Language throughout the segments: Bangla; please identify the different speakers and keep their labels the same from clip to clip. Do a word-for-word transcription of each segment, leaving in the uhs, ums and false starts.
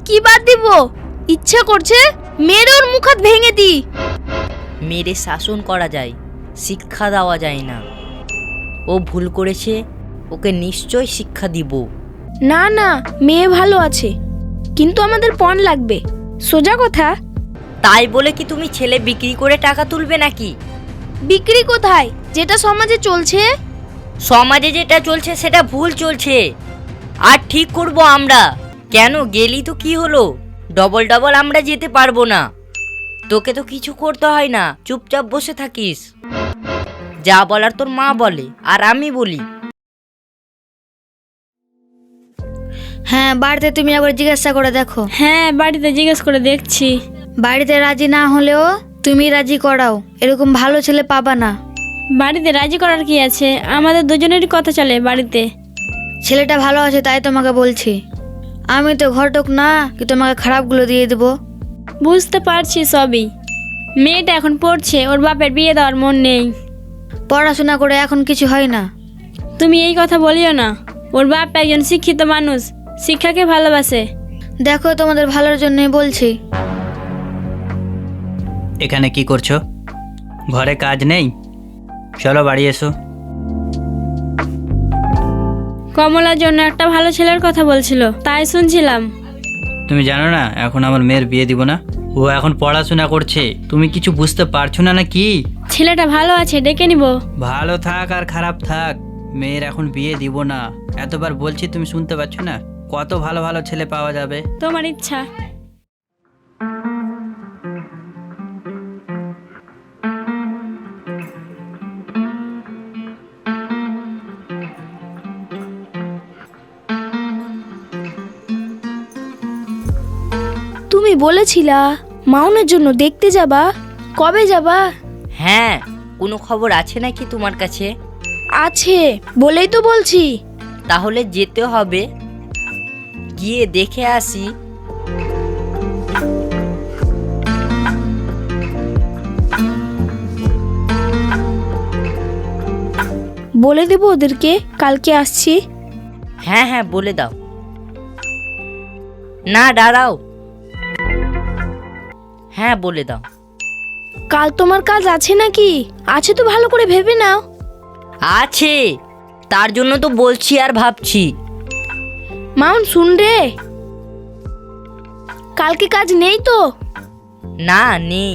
Speaker 1: কি বাদ দিব? ইচ্ছা করছে মেরে ওর মুখ হাত ভেঙে দি।
Speaker 2: মেরে শাসন করা যায়, শিক্ষা দেওয়া যায় না। ও ভুল করেছে, ওকে নিশ্চয় শিক্ষা দিব।
Speaker 1: না না, মেয়ে ভালো আছে, কিন্তু আমাদের পণ লাগবে। সোজা কথা।
Speaker 2: তাই বলে কি তুমি ছেলে বিক্রি করে টাকা তুলবে নাকি?
Speaker 1: বিক্রি কোথায়? যেটা সমাজে চলছে।
Speaker 2: সমাজে যেটা চলছে সেটা ভুল চলছে, আর ঠিক করব আমরা। কেন গেলি তো কি হলো? ডবল ডবল আমরা যেতে পারবো না। তোকে তো কিছু করতে হয় না, চুপচাপ বসে থাকিস। যা বলার তোর মা বলে আর আমি বলি।
Speaker 3: হ্যাঁ, বাড়িতে তুমি একবার জিজ্ঞাসা করে দেখো।
Speaker 4: হ্যাঁ, বাড়িতে জিজ্ঞেস করে দেখছি।
Speaker 3: বাড়িতে রাজি না হলেও তুমি রাজি করাও, এরকম ভালো ছেলে পাবা না।
Speaker 4: বাড়িতে রাজি করার কি আছে? আমাদের দুজনেরই কথা চলে বাড়িতে।
Speaker 3: ছেলেটা ভালো আছে তাই তোমাকে বলছি। আমি তো ঘটক না কি তোমাকে খারাপগুলো দিয়ে দেবো।
Speaker 4: বুঝতে পারছি সবই। মেয়েটা এখন পড়ছে, ওর বাপের বিয়ে দেওয়ার মন নেই।
Speaker 3: পড়াশোনা করে এখন কিছু হয় না।
Speaker 4: তুমি এই কথা বলিও না। ওর বাপ একজন শিক্ষিত মানুষ, শিক্ষাকে ভালোবাসে।
Speaker 3: দেখো, তোমাদের ভালোর জন্যই বলছি।
Speaker 5: এখানে কি করছো? ঘরে কাজ নেই? চলো বাড়ি এসো।
Speaker 4: কমলার জন্য একটা ভালো ছেলের কথা বলছিল, তাই শুনছিলাম।
Speaker 5: তুমি জানো না এখন আমার মেয়ের বিয়ে দিব না? ও এখন পড়াশোনা করছে, তুমি কিছু বুঝতে পারছো না নাকি?
Speaker 4: ছেলেটা ভালো আছে, ডেকে নিব।
Speaker 5: ভালো থাক আর খারাপ থাক, মেয়ের এখন বিয়ে দিব না। এতবার বলছি, তুমি শুনতে পাচ্ছ না? কত ভালো ভালো ছেলে পাওয়া যাবে।
Speaker 4: তোমার ইচ্ছা।
Speaker 1: তুমি বলেছিলা মাউনের জন্য দেখতে যাবা, কবে যাবা?
Speaker 2: হ্যাঁ, কোনো খবর আছে নাকি তোমার কাছে?
Speaker 1: আছে বলেই তো বলছি।
Speaker 2: তাহলে যেতে হবে, গিয়ে দেখে আসি।
Speaker 1: বলে দেবো ওদেরকে কালকে আসছি।
Speaker 2: হ্যাঁ হ্যাঁ, বলে দাও। না দাঁড়াও, হ্যাঁ বলে দাও।
Speaker 1: কাল তোমার কাজ আছে নাকি? আছে তো ভালো করে ভেবে নাও।
Speaker 2: আছে, তার জন্য তো বলছি আর ভাবছি।
Speaker 1: মাউন শুন রে, কালকে কাজ নেই তো?
Speaker 2: না নেই।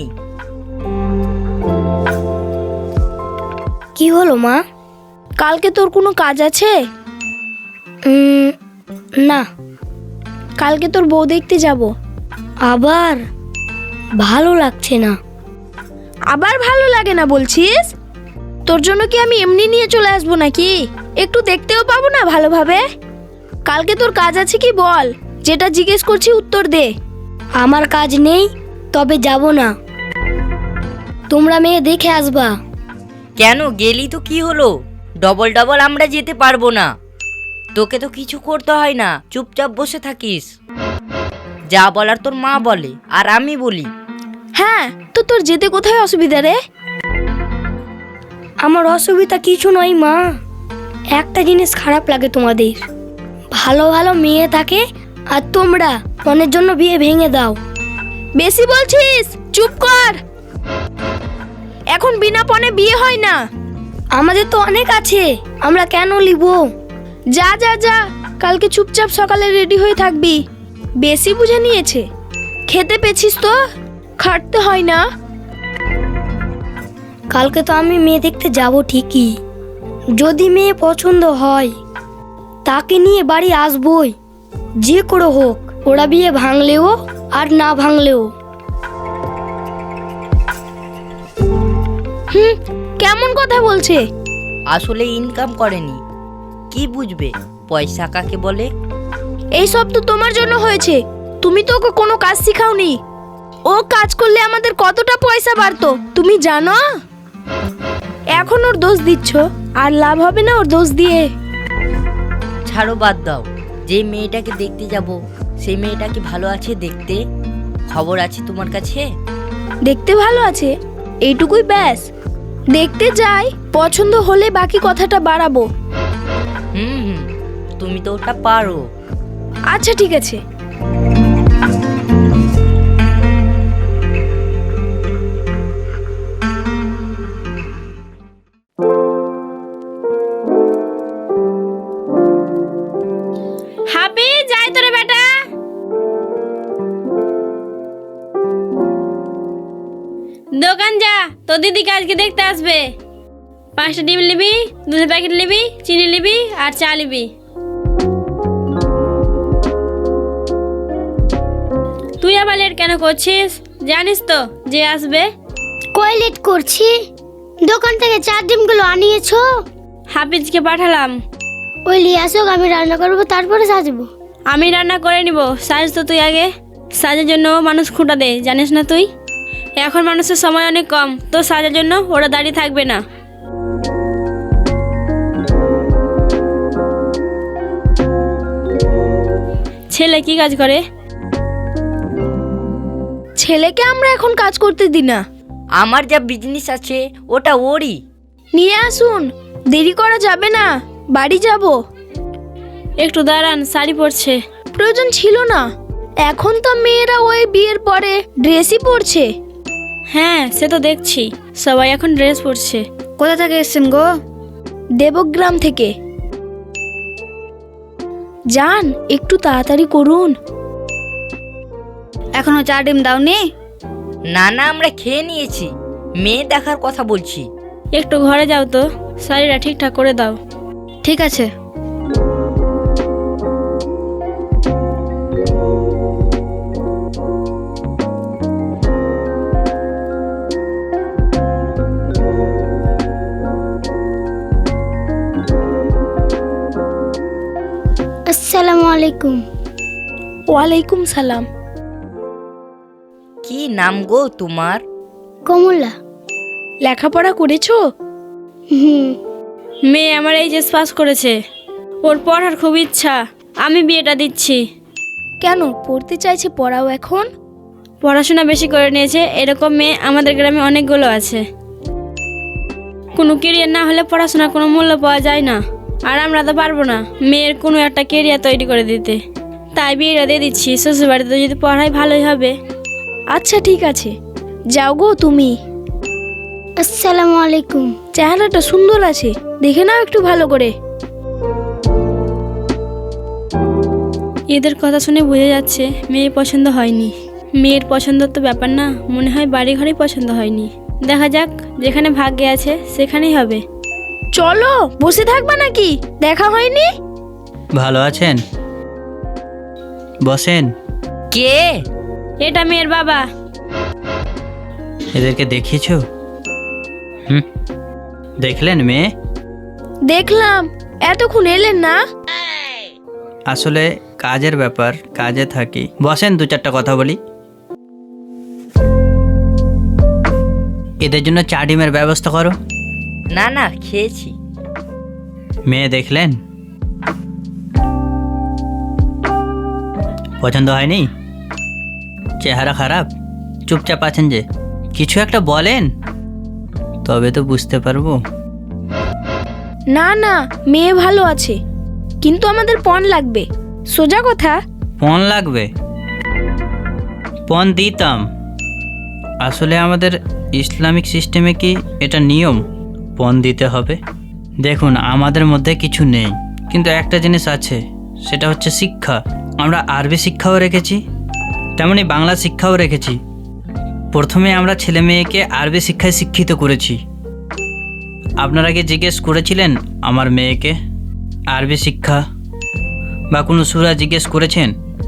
Speaker 3: কি হলো মা?
Speaker 1: কালকে তোর কোনো কাজ আছে?
Speaker 3: উম, না।
Speaker 1: কালকে তোর বউ দেখতে যাব।
Speaker 3: আবার ভালো লাগছে না।
Speaker 1: আবার ভালো লাগে না বলছিস? তোর জন্য কি আমি এমনি নিয়ে চলে আসবো নাকি? একটু দেখতেও পাবো না ভালোভাবে? কালকে তোর কাজ আছে কি বল, যেটা জিজ্ঞেস করছি উত্তর দে।
Speaker 3: আমার কাজ নেই, তবে যাব না। তোমরা মেয়ে দেখে আসবা।
Speaker 2: কেন গেলি তো কি হলো? ডবল ডবল আমরা যেতে পারবো না। তোকে তো কিছু করতে হয় না, চুপচাপ বসে থাকিস। যা বলার তোর মা বলে আর আমি বলি।
Speaker 1: হ্যাঁ, তো তোর যেতে কোথায় অসুবিধা রে?
Speaker 3: আমার অসুবিধা কিছু নয় মা, একটা জিনিস খারাপ লাগে তোমাদের। ভালো ভালো মেয়ে থাকে আর তোমরা মনের জন্য বিয়ে ভেঙে দাও।
Speaker 1: বেশি বলছিস, চুপ কর। এখন বিনা পণে বিয়ে হয় না।
Speaker 3: আমাদের তো অনেক আছে, আমরা কেন লিব?
Speaker 1: যা যা যা, কালকে চুপচাপ সকালে রেডি হয়ে থাকবি। বেশি বুঝে নিয়েছে। খেতে পেছিস তো, খাটতে হয় না।
Speaker 3: কালকে তো আমি মেয়ে দেখতে যাব ঠিকই, যদি মেয়ে পছন্দ হয় তাকে নিয়ে বাড়ি আসবই, যে করে হোক। ওরা বিয়ে ভাঙলেও আর না ভাঙলেও।
Speaker 1: হুম, কেমন কথা বলছে?
Speaker 2: আসলে ইনকাম করেনি, কি বুঝবে পয়সা কাকে বলে?
Speaker 1: এই সব তো তোমার জন্য হয়েছে, তুমি তো ওকে কোনো কাজ শিখাওনি। ও কাজ করলে আমাদের কতটা পয়সা বাড়তো তুমি জানো? এখন ওর দোষ দিচ্ছ, আর লাভ হবে না ওর দোষ দিয়ে।
Speaker 2: ছাড়ো, বাদ দাও। যে মেয়েটাকে দেখতে যাব সেই মেয়েটা কি ভালো আছে দেখতে? খবর আছে তোমার কাছে?
Speaker 1: দেখতে ভালো আছে, এইটুকুই ব্যাস। দেখতে যাই, পছন্দ হলে বাকি কথাটা বাড়াবো।
Speaker 2: হুম হুম, তুমি তো ওটা পারো।
Speaker 1: আচ্ছা ঠিক আছে।
Speaker 4: তোর দিদিকে আজকে দেখতে আসবে। পাঁচটা ডিম নিবি, দুধের প্যাকেট নিবি, চিনি নিবি আর চা নিবি। তুই আবার লেট কেন করছিস? জানিস তো যে আসবে।
Speaker 3: কই লেট করছি? দোকান থেকে চার ডিমগুলো আনিয়েছো?
Speaker 4: হাফিজকে পাঠালাম।
Speaker 3: ওই নিয়ে আসুক, আমি রান্না করবো, তারপরে সাজবো।
Speaker 4: আমি রান্না করে নিব, সাজ তো তুই আগে। সাজের জন্য মানুষ খুঁটা দেয়, জানিস না তুই? এখন মানুষের সময় অনেক কম, তো সাজের জন্য ওরা দাঁড়িয়ে থাকবে না। ছেলে কি কাজ করে?
Speaker 1: ছেলেকে আমরা এখন কাজ করতে দিই না।
Speaker 2: আমার যা বিজনেস আছে ওটা ওরই।
Speaker 1: নিয়ে আসুন, দেরি করা যাবে না, বাড়ি যাব।
Speaker 4: একটু দাঁড়ান, শাড়ি পরছে।
Speaker 1: প্রয়োজন ছিল না, এখন তো মেয়েরা ওই বিয়ের পরে ড্রেসই পরছে।
Speaker 4: হ্যাঁ সে তো দেখছি, সবাই এখন ড্রেস পরছে।
Speaker 3: কোথা থেকে এসছেন গো?
Speaker 1: দেবগ্রাম থেকে। যান, একটু তাড়াতাড়ি করুন।
Speaker 3: এখনো চার ডিম দাওনি?
Speaker 2: না না, আমরা খেয়ে নিয়েছি, মেয়ে দেখার কথা বলছি।
Speaker 4: একটু ঘরে যাও তো, শাড়িটা ঠিকঠাক করে দাও।
Speaker 3: ঠিক আছে। আসসালামু আলাইকুম।
Speaker 1: ওয়ালাইকুম সালাম।
Speaker 2: কি নাম গো তোমার?
Speaker 3: কমলা।
Speaker 1: লেখাপড়া করেছো?
Speaker 3: হুম।
Speaker 4: মেয়ে আমার এইচএস পাস করেছে, ওর পড়ার খুব ইচ্ছা, আমি বিয়েটা দিচ্ছি।
Speaker 1: কেন পড়তে চাইছে? পড়াও এখন।
Speaker 4: পড়াশোনা বেশি করে নিয়েছে, এরকম মেয়ে আমাদের গ্রামে অনেকগুলো আছে। কোনো কেরিয়ার না হলে পড়াশোনার কোনো মূল্য পাওয়া যায় না, আর আমরা তো পারবো না মেয়ের কোনো একটা কেরিয়ার তৈরি করে দিতে। তাই বিয়েটা দিয়ে দিচ্ছি, শ্বশুরবাড়িতে যদি পড়াই ভালোই হবে।
Speaker 1: আচ্ছা ঠিক আছে, যাও গো তুমি।
Speaker 3: আসসালামু আলাইকুম।
Speaker 1: চেহারাটা সুন্দর আছে, দেখে নাও একটু ভালো করে।
Speaker 4: এদের কথা শুনে বোঝা যাচ্ছে মেয়ে পছন্দ হয়নি। মেয়ের পছন্দের তো ব্যাপার না, মনে হয় বাড়ি ঘরেই পছন্দ হয়নি। দেখা যাক, যেখানে ভাগ্যে আছে সেখানেই হবে।
Speaker 1: চলো, বসে থাকবা নাকি? দেখা হয়নি?
Speaker 5: ভালো আছেন? বসেন।
Speaker 2: কে?
Speaker 4: এটা মেয়ের বাবা।
Speaker 5: এদেরকে দেখিয়েছো? হুম, দেখলেন মেয়ে?
Speaker 1: দেখলাম, এতক্ষণ এলেন না?
Speaker 5: আসলে কাজের ব্যাপার, কাজে থাকি। বসেন, দু চারটা কথা বলি। এদের জন্য চা ডিমের ব্যবস্থা করো।
Speaker 2: না না, খেয়েছি।
Speaker 5: মেয়ে দেখলেন? পছন্দ হয়নি? চেহারা খারাপ, চুপচাপ আছেন যে। কিছু একটা বলেন, তবে তো বুঝতে পারবো।
Speaker 1: না না, মেয়ে ভালো আছে, কিন্তু আমাদের পণ লাগবে। সোজা কথা।
Speaker 5: পণ লাগবে? পণ দিতাম। আসলে আমাদের ইসলামিক সিস্টেমে কি এটা নিয়ম পণ দিতে হবে? দেখুন, আমাদের মধ্যে কিছু নেই, কিন্তু একটা জিনিস আছে, সেটা হচ্ছে শিক্ষা। আমরা আরবি শিক্ষাও রেখেছি, তেমনি বাংলা শিক্ষাও রেখেছি। প্রথমে আমরা ছেলে মেয়েকে আরবি শিক্ষায় শিক্ষিত করেছি। আপনারা কি জিজ্ঞেস করেছিলেন আমার মেয়েকে আরবি শিক্ষা বা কোনো সূরা জিজ্ঞেস করেছেন?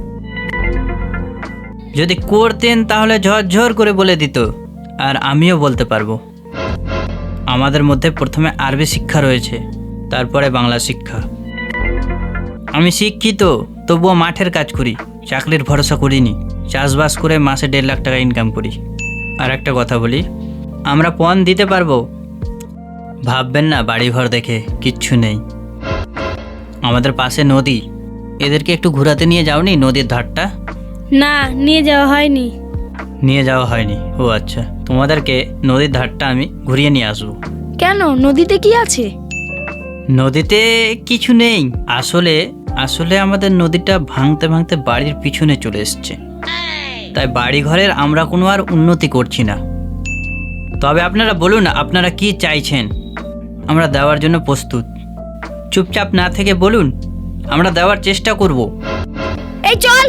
Speaker 5: যদি করতেন তাহলে ঝরঝর করে বলে দিত, আর আমিও বলতে পারবো। আমাদের মধ্যে প্রথমে আরবি শিক্ষা রয়েছে, তারপরে বাংলা শিক্ষা। আমি শিক্ষিত, তবুও মাঠের কাজ করি, চাকরির ভরসা করিনি। চাষবাস করে মাসে দেড় লাখ টাকা ইনকাম করি। আর একটা কথা বলি, আমরা পণ দিতে পারবো। ভাববেন না বাড়িঘর দেখে কিচ্ছু নেই। আমাদের পাশে নদী, এদেরকে একটু ঘোরাতে নিয়ে যাওনি নদীর ধারটা?
Speaker 4: না, নিয়ে যাওয়া হয়নি।
Speaker 5: নিয়ে যাওয়া হয়নি? ও আচ্ছা, তোমাদেরকে নদীর ধারটা আমি ঘুরিয়ে নিয়ে আসবো।
Speaker 1: কেন, নদীতে কি আছে?
Speaker 5: নদীতে কিছু নেই। আসলে আসলে আমাদের নদীটা ভাঙতে ভাঙতে বাড়ির পিছনে চলে এসছে, তাই বাড়ি ঘরের আমরা কোনো আর উন্নতি করছি না। তবে আপনারা বলুন, আপনারা কি চাইছেন? আমরা দেওয়ার জন্য প্রস্তুত। চুপচাপ না থেকে বলুন, আমরা দেওয়ার চেষ্টা করব।
Speaker 1: এই চল।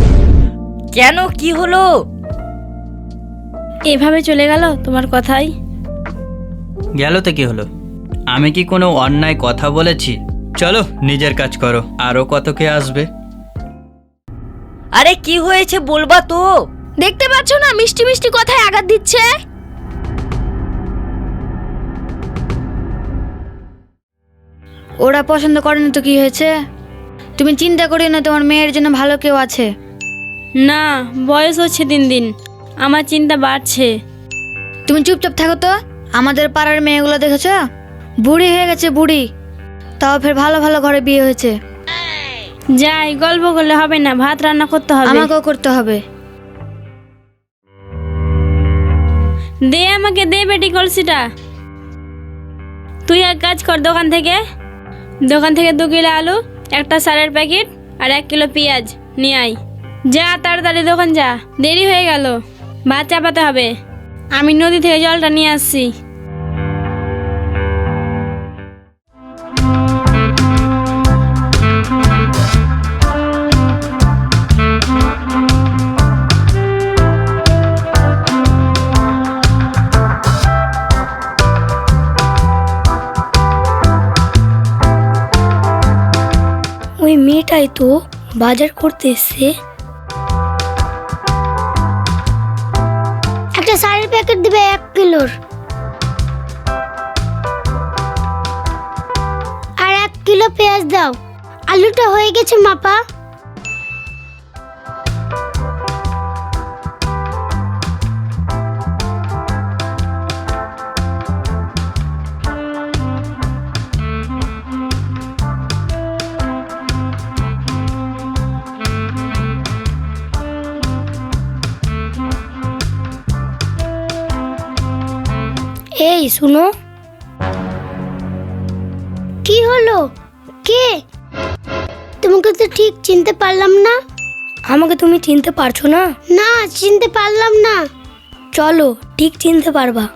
Speaker 2: কেন, কি হলো?
Speaker 4: এভাবে চলে গেল তোমার কথাই?
Speaker 5: গেল তো কি হলো? আমি কি কোনো অন্যায় কথা বলেছি? চলো নিজের কাজ করো, আরও কত কে আসবে।
Speaker 2: আরে কি হয়েছে বলবা তো?
Speaker 1: দেখতে পাচ্ছ না মিষ্টি মিষ্টি কথায় আঘাত দিচ্ছে।
Speaker 6: ওরা পছন্দ করে না তো কি হয়েছে? তুমি চিন্তা করিও না, তোমার মেয়ের জন্য ভালো কেউ আছে।
Speaker 4: না, বয়স হচ্ছে দিন দিন, আমার চিন্তা বাড়ছে।
Speaker 6: তুমি চুপচাপ থাকো তো। আমাদের পাড়ার মেয়েগুলো দেখেছ, বুড়ি হয়ে গেছে, বুড়ি, তাও ফের ভালো ভালো ঘরে বিয়ে হয়েছে।
Speaker 4: যাই, গল্প করলে হবে না, ভাত রান্না করতে হবে।
Speaker 6: আমাকেও করতে হবে।
Speaker 4: দে আমাকে, দে বেটি কলসিটা। তুই এক কাজ কর, দোকান থেকে দোকান থেকে দু কিলো আলু, একটা সারের প্যাকেট আর এক কিলো পেঁয়াজ নিয়ে আয়। যা তাড়াতাড়ি দোকান যা, দেরি হয়ে গেল। ভাত চাপাতে হবে, আমি নদী থেকে জলটা নিয়ে আসছি।
Speaker 3: ওই মেয়েটাই তো বাজার করতে এসছে।
Speaker 1: একটা শাড়ির প্যাকেট দিবে এক কিলোর, আর এক কিলো পেঁয়াজ দাও। আলুটা হয়ে গেছে মাপা।
Speaker 3: এই শুনো,
Speaker 1: কি হলো? কে? তোমাকে তো ঠিক চিনতে পারলাম না।
Speaker 3: আমাকে তুমি চিনতে পারছো না?
Speaker 1: না, চিনতে পারলাম না।
Speaker 3: চলো, ঠিক চিনতে পারবা।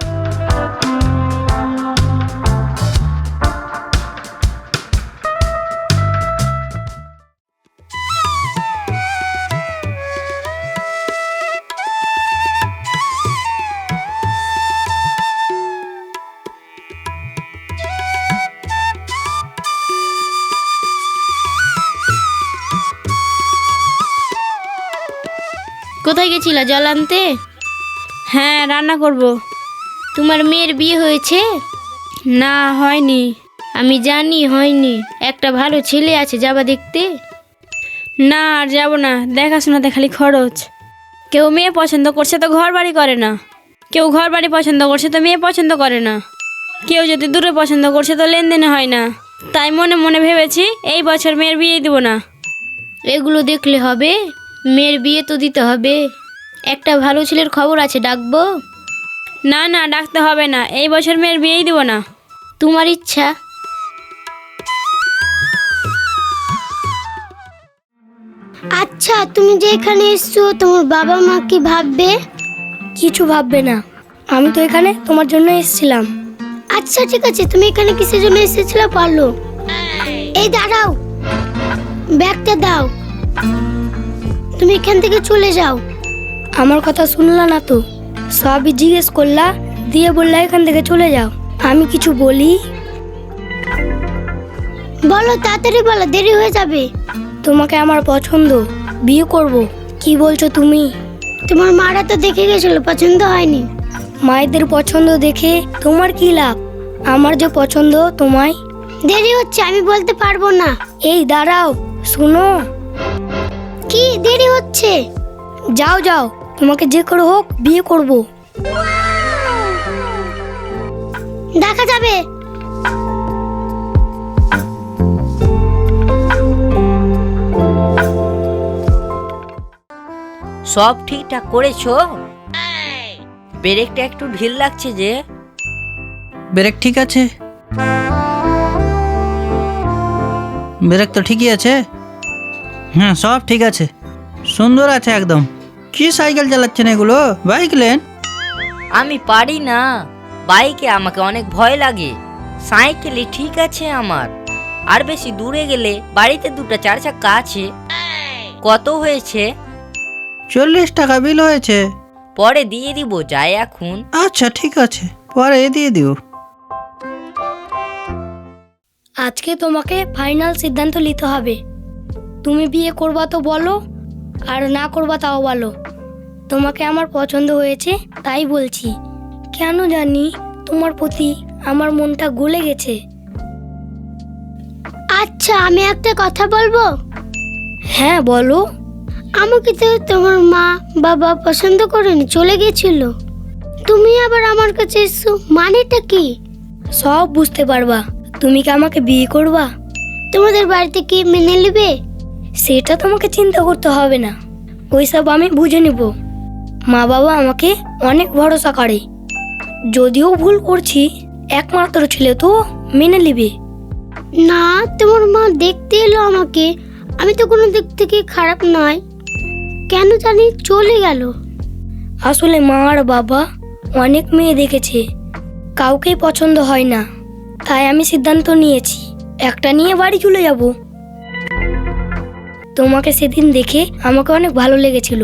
Speaker 7: কোথায় গেছিলা জল আনতে?
Speaker 4: হ্যাঁ, রান্না করব।
Speaker 7: তোমার মেয়ের বিয়ে হয়েছে?
Speaker 4: না, হয়নি।
Speaker 7: আমি জানি হয়নি, একটা ভালো ছেলে আছে, যাবা দেখতে?
Speaker 4: না, আর যাবো না, দেখাশোনাতে খালি খরচ। কেউ মেয়ে পছন্দ করছে তো ঘর বাড়ি করে না, কেউ ঘর বাড়ি পছন্দ করছে তো মেয়ে পছন্দ করে না, কেউ যদি দূরে পছন্দ করছে তো লেনদেনে হয় না। তাই মনে মনে ভেবেছি এই বছর মেয়ের বিয়ে দিব না।
Speaker 7: এগুলো দেখলে হবে? মেয়ের বিয়ে তো দিতে হবে। একটা ভালো ছেলের খবর আছে, ডাকবো?
Speaker 4: না না, ডাকতে হবে না, এই বছর মেয়ের বিয়েই দিব না।
Speaker 7: তোমার ইচ্ছা।
Speaker 1: আচ্ছা, তুমি যে এখানে এসছো, তোমার বাবা মা কি ভাববে?
Speaker 3: কিছু ভাববে না, আমি তো এখানে তোমার জন্য এসেছিলাম।
Speaker 1: আচ্ছা ঠিক আছে, তুমি এখানে কিসের জন্য এসেছিলে পারলো? এই দাঁড়াও, ব্যাগটা দাও। তুমি এখান থেকে চলে যাও।
Speaker 3: আমার কথা শুনলা না তো? সবই জিজ্ঞেস করলা, দিয়ে বললা এখান থেকে চলে যাও। আমি কিছু বলি?
Speaker 1: বলো, তাড়াতাড়ি বলো, দেরি হয়ে যাবে।
Speaker 3: তোমাকে আমার পছন্দ, বিয়ে করব। কি বলছো তুমি?
Speaker 1: তোমার মারা তো দেখে গেছিল, পছন্দ হয়নি।
Speaker 3: মায়েদের পছন্দ দেখে তোমার কি লাভ? আমার যে পছন্দ তোমায়।
Speaker 1: দেরি হচ্ছে, আমি বলতে পারবো না।
Speaker 3: এই দাঁড়াও, শুনো।
Speaker 1: কি দেরি হচ্ছে?
Speaker 3: যাও যাও, তোমাকে যে করে হোক বিয়ে করব।
Speaker 1: দেখা যাবে।
Speaker 2: সব ঠিকঠাক করেছো? ব্রেকটা একটু ঢিল লাগছে যে।
Speaker 5: ব্রেক ঠিক আছে, ব্রেক তো ঠিকই আছে। হ্যাঁ, সব ঠিক আছে, সুন্দর আছে একদম। কি সাইকেল চালাচ্ছেন এগুলো? বাইক লেন?
Speaker 2: আমি পারি না বাইকে, আমাকে অনেক ভয় লাগে। সাইকেলে ঠিক আছে আমার। আর বেশি দূরে গেলে বাড়িতে দুটো চার চাকা আছে। কত হয়েছে?
Speaker 5: চল্লিশ টাকা বিল হয়েছে।
Speaker 2: পরে দিয়ে দিব, যাই এখন।
Speaker 5: আচ্ছা ঠিক আছে, পরে দিয়ে দিও।
Speaker 3: আজকে তোমাকে ফাইনাল সিদ্ধান্ত নিতে হবে। তুমি বিয়ে করবা তো বলো, আর না করবা তাও বলো। তোমাকে আমার পছন্দ হয়েছে তাই বলছি। কেন জানি তোমার প্রতি আমার মনটা গলে গেছে।
Speaker 8: আচ্ছা, আমি একটা কথা বলবো।
Speaker 3: হ্যাঁ বলো।
Speaker 8: আমাকে তো তোমার মা বাবা পছন্দ করেনি, চলে গেছিল। তুমি আবার আমার কাছে এসছো, মানেটা কি?
Speaker 3: সব বুঝতে পারবা। তুমি কি আমাকে বিয়ে করবা?
Speaker 8: তোমাদের বাড়িতে কি মেনে নেবে?
Speaker 3: সেটা তোমাকে চিন্তা করতে হবে না, ওইসব আমি বুঝে নিব। মা বাবা আমাকে অনেক ভরসা করে। যদিও ভুল করছি, একমাত্র ছেলে তো মেনে নেবে।
Speaker 8: না, তোমার মা দেখতে এলো আমাকে, আমি তো কোনো দিক থেকে খারাপ নয়, কেন জানি চলে গেল।
Speaker 3: আসলে মা আর বাবা অনেক মেয়ে দেখেছে, কাউকেই পছন্দ হয় না। তাই আমি সিদ্ধান্ত নিয়েছি একটা নিয়ে বাড়ি চলে যাব। তোমাকে সেদিন দেখে আমাকে অনেক ভালো লেগেছিল,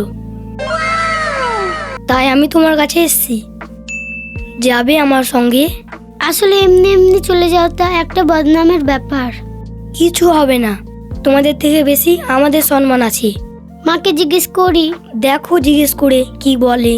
Speaker 3: তাই আমি তোমার কাছে এসেছি। যাবে আমার সঙ্গে?
Speaker 8: আসলে এমনি এমনি চলে যাওয়াটা একটা বদনামের ব্যাপার।
Speaker 3: কিছু হবে না, তোমাদের থেকে বেশি আমাদের সম্মান আছে।
Speaker 8: মাকে জিজ্ঞেস করি।
Speaker 3: দেখো জিজ্ঞেস করে কি বলে।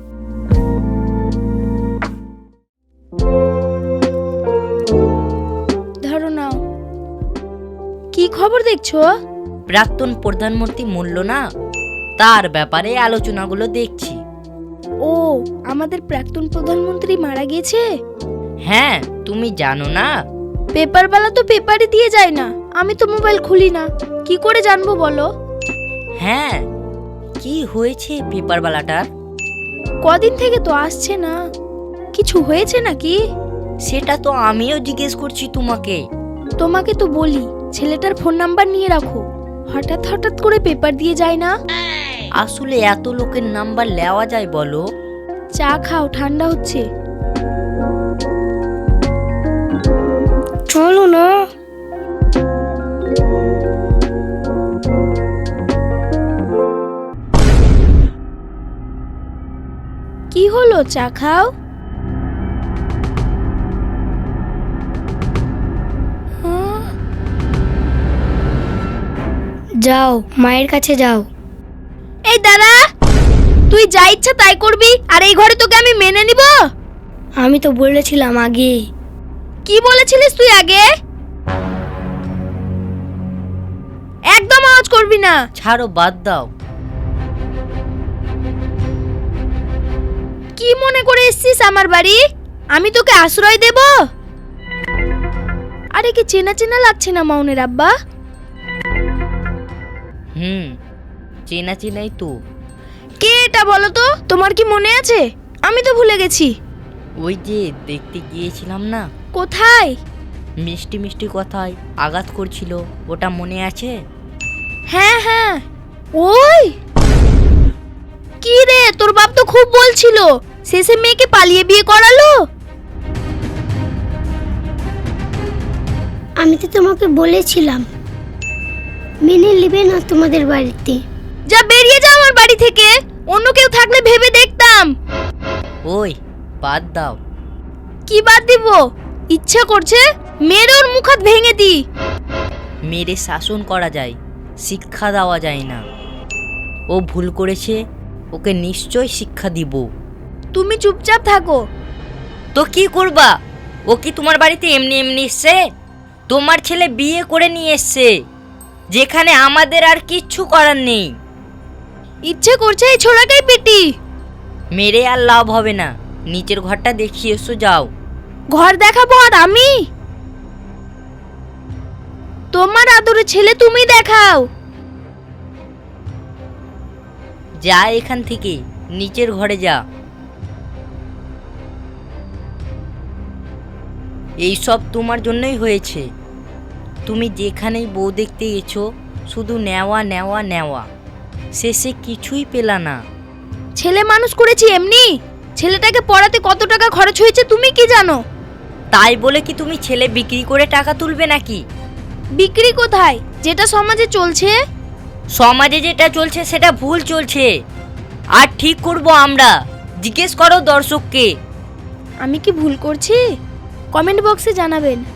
Speaker 1: ধরো নাও। কি খবর দেখছো?
Speaker 2: প্রাক্তন প্রধানমন্ত্রী মূল্য না, তার ব্যাপারে আলোচনাগুলো দেখছি।
Speaker 1: ও, আমাদের প্রাক্তন প্রধানমন্ত্রী মারা গেছে।
Speaker 2: হ্যাঁ, তুমি জানো না?
Speaker 1: পেপারওয়ালা তো পেপারই দিয়ে যায় না, আমি তো মোবাইল খুলি না, কি করে জানবো বলো?
Speaker 2: হ্যাঁ, কি হয়েছে পেপারওয়ালাটার?
Speaker 1: কদিন থেকে তো আসছে না, কিছু হয়েছে নাকি?
Speaker 2: সেটা তো আমিও জিজ্ঞেস করছি তোমাকে।
Speaker 1: তোমাকে তো বলি ছেলেটার ফোন নাম্বার নিয়ে রাখো, হঠাৎ হঠাৎ করে পেপার দিয়ে যায় না।
Speaker 2: আসলে এত লোকের নাম্বার নেওয়া যায় বলো?
Speaker 1: চা খাও, ঠান্ডা হচ্ছে।
Speaker 3: চলো না।
Speaker 1: কি হলো, চা খাও। হ্যাঁ?
Speaker 3: যাও মায়ের কাছে যাও।
Speaker 1: এই দাঁড়া, তুই যা ইচ্ছা তাই করবি, আর এই ঘরে তোকে আমি মেনে নিব?
Speaker 3: আমি তো বলেছিলাম আগে।
Speaker 1: কি বলেছিলিস তুই আগে? একদম আওয়াজ করবি না।
Speaker 2: ছাড়ো, বাদ দাও।
Speaker 1: কি মনে করে এসছিস আমার বাড়ি? আমি তোকে আশ্রয় দেব? আরে কি চেনা চেনা লাগছে না মাউনের আব্বা?
Speaker 2: হুম, চেনা চেনাই তো।
Speaker 1: কে এটা বলো তো, তোমার কি মনে আছে? আমি তো ভুলে গেছি।
Speaker 2: ওই যে দেখতে গিয়েছিলাম না,
Speaker 1: কোথায়?
Speaker 2: মিষ্টি মিষ্টি কথায় আঘাত করছিল, ওটা মনে আছে?
Speaker 1: হ্যাঁ হ্যাঁ, ওই। কি রে, তোর বাপ তো খুব বলছিল, শেষে মেয়েকে পালিয়ে বিয়ে করালো।
Speaker 8: আমি তো তোমাকে বলেছিলাম মেনে নেবে না তোমাদের বাড়িতে।
Speaker 1: যা, বেরিয়ে যা আমার বাড়ি থেকে। অন্য কেউ থাকলে ভেবে দেখতাম।
Speaker 2: ওই, বাদ দাও।
Speaker 1: কি বাদ দিব? ইচ্ছা করছে মেরে ওর মুখ হাত ভেঙে দি।
Speaker 2: মেরে শাসন করা যায়, শিক্ষা দেওয়া যায় না। ও ভুল করেছে, ওকে নিশ্চয় শিক্ষা দিব।
Speaker 1: তুমি চুপচাপ থাকো।
Speaker 2: তো কি করবা? ও কি তোমার বাড়িতে এমনি এমনি এসছে? তোমার ছেলে বিয়ে করে নিয়ে এসছে, যেখানে আমাদের আর কিচ্ছু করার নেই।
Speaker 1: ইচ্ছে করছে এই ছোড়াটাই পেটি।
Speaker 2: মেরে আর লাভ হবে না, নিচের ঘরটা দেখিয়ে এসো, যাও।
Speaker 1: ঘর দেখাবো আর আমি? তোমার আদরে ছেলে তুমি দেখাও।
Speaker 2: যা এখান থেকে, নিচের ঘরে যা। এই সব তোমার জন্যই হয়েছে। তুমি যেখানেই বউ দেখতে গেছো, শুধু নেওয়া নেওয়া নেওয়া, শেষে কিছুই পেলা না।
Speaker 1: ছেলে মানুষ করেছি এমনি, ছেলেটাকে পড়াতে কত টাকা খরচ হয়েছে তুমি কি জানো?
Speaker 2: তাই বলে কি তুমি ছেলে বিক্রি করে টাকা তুলবে নাকি?
Speaker 1: বিক্রি কোথায়, যেটা সমাজে চলছে।
Speaker 2: সমাজে যেটা চলছে সেটা ভুল চলছে, আর ঠিক করব আমরা। জিজ্ঞেস করো দর্শককে।
Speaker 1: আমি কি ভুল করছি? কমেন্ট বক্সে জানাবেন।